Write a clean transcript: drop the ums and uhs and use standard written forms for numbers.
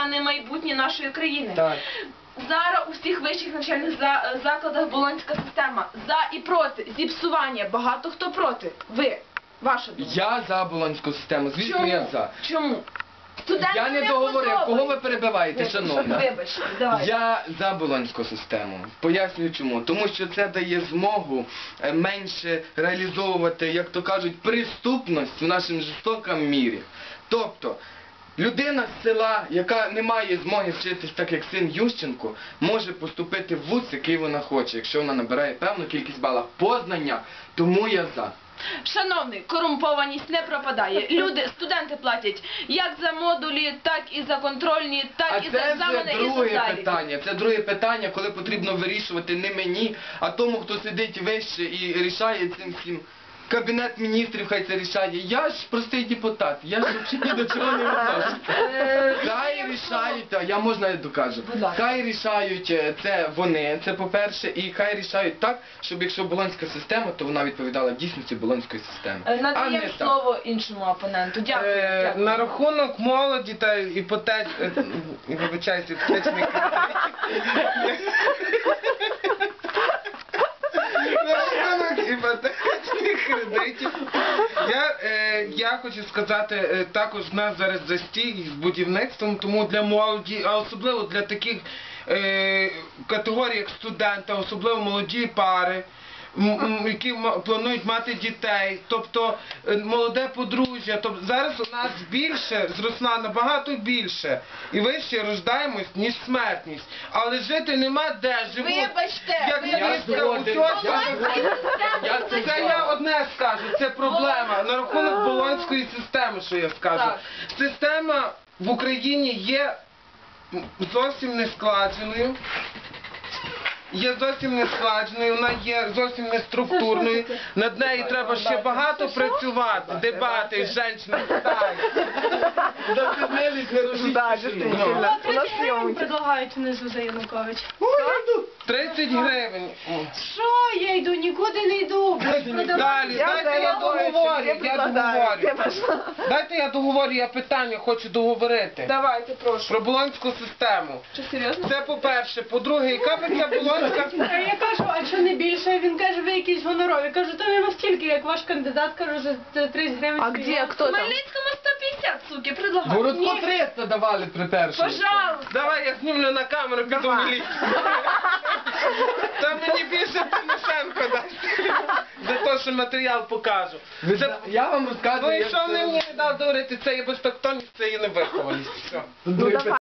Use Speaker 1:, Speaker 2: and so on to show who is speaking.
Speaker 1: не майбутнє нашої країни.
Speaker 2: Так.
Speaker 1: Зараз у всіх вищих навчальних закладах болонська система. За і проти. Зіпсування. Багато хто проти. Ви. Ваша думка.
Speaker 2: Я за болонську систему, звісно,
Speaker 1: Чому?
Speaker 2: я за.
Speaker 1: Чому? Студентам
Speaker 2: Я не договорив. Кого ви перебиваєте, шановна?
Speaker 1: Вибачте, давайте.
Speaker 2: Я за болонську систему. Пояснюю чому. Тому що це дає змогу менше реалізовувати, як то кажуть, преступність в нашому жорстокому мірі. Тобто, людина з села, яка не має змоги вчитись так, як син Ющенко, може поступити в вуз, який вона хоче, якщо вона набирає певну кількість балів познання, тому я за.
Speaker 1: Шановний, корумпованість не пропадає. Люди, студенти платять як за модулі, так і за контрольні, так і за екзамени, і за
Speaker 2: друге
Speaker 1: заліки.
Speaker 2: питання. Це друге питання, коли потрібно вирішувати не мені, а тому, хто сидить вище і рішає цим всім. Кабінет міністрів хай це рішає. Я ж простий депутат, я ж взагалі ні до чого не відношуся. Хай рішають, я можна докажу. Хай рішають це вони, це по-перше, і хай рішають так, щоб якщо болонська система, то вона відповідала дійсності болонської системи.
Speaker 1: Надаємо слово іншому опоненту. Дякую.
Speaker 3: На рахунок молоді та іпотечних кредитів. Іпотечних кредитів. Я хочу сказати, також в нас зараз застій з будівництвом, тому для молоді, а особливо для таких категорій, як студенти, особливо молоді пари, які планують мати дітей, тобто молоде подружжя. Тобто зараз у нас більше, зросла набагато більше, і вище рождаємось, ніж смертність. Але жити нема де, живуть, як міська, це я одне скажу, це проблема. На рахунок болонської системи, що я скажу. Система в Україні є зовсім не складеною. Вона є зовсім не структурною, над нею треба ще багато працювати, дебати, жінки,
Speaker 4: Предлагають внизу за Янукович.
Speaker 3: 30 гривень.
Speaker 4: Що я йду? Нікуди не йду.
Speaker 3: Далі, дайте я договорю. Дайте я договорю, я питання хочу договорити.
Speaker 1: Давайте, прошу.
Speaker 3: Про болонську систему.
Speaker 1: Чи серйозно?
Speaker 3: Це по-перше. По-друге, яка б ця болонська...
Speaker 4: Я кажу, а що не більше? Він каже, ви якісь гонорові. Кажу, то не настільки, як ваш кандидат, кажу, за 30 гривень.
Speaker 1: А где? Кто там? В Хмельницькому 150, суки, предлагаю.
Speaker 2: Городку 300 давали при першому.
Speaker 1: Пожалуйста.
Speaker 3: Давай я знімлю на камеру, піду в міліцію. Та мені більше Тимошенко дасть. За те, що матеріал покажу.
Speaker 2: Я вам розказую,
Speaker 3: Ну і що мені не дав говорити, це є безтактовність, це є невихованість. Все.